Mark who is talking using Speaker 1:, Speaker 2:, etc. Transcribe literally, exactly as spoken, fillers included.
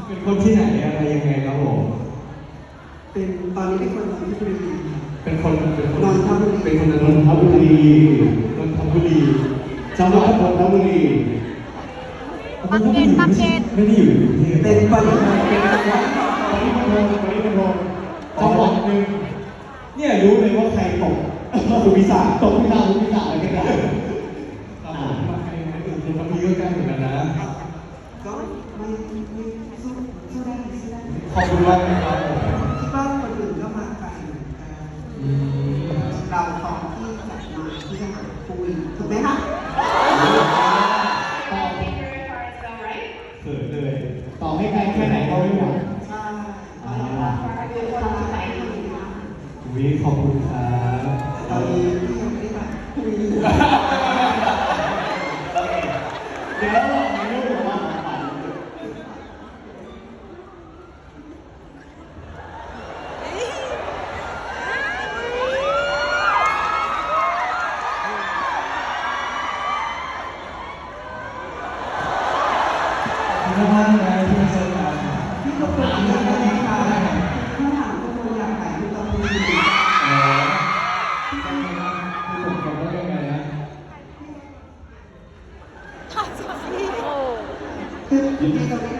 Speaker 1: เป็นคนที่ไหนอะไรยังไงครับผม
Speaker 2: เป็นตอนนี้เป็นคนนนทบุรี
Speaker 1: เป็นคนเป็นคน
Speaker 2: นนทบุรี
Speaker 1: เป็นคนนนทบุรีนนทบุรีจังหวัดนนทบุรี
Speaker 3: ปักเกร็ดปักเกร็ด
Speaker 1: ไม่ได้อยู่ในกรุงเทพ
Speaker 2: เป็นปริมาณเป็นจังหวัด
Speaker 1: ปริมณฑลปริมณฑลจังหวัดหนึ่งเนี่ยรู้เลยว่าใครตกสุพิสาตกพิสาสุพิสาอะไรกันนะอ่ามาใครนะอื่นนนทบุรีก็ใกล้เหมือนกันนะ
Speaker 2: ก็ไม่ไม่สู้สู้ได้สู้ได้
Speaker 1: ขอบคุณมากนะครับ
Speaker 2: คิดว่าคนอื่นก็มาไกลเหมือนกันเราพร้อมที่จะมาที่จะหาคุยถูกไหมคะ
Speaker 1: เขินเลยต่อให้ไกลแค่ไหนก็ไม่หวัง
Speaker 2: ใช่
Speaker 1: อุ้ยขอบคุณครับ
Speaker 2: ตอนนี้พี่ยังไม่ได้แบบคุยอยู่
Speaker 1: เดี๋ยวเราไม่รู้ว่าขอบคุณมากนะที่มาเจอกัน
Speaker 2: พี่ก็เปิดอีกแล้วนะคะถ้าถามทุกคนอยากขายทุกคนดี
Speaker 1: อ๋อคือผมบอกว่ายังไงนะ
Speaker 3: โอ้
Speaker 2: คือพี่ก็ไม่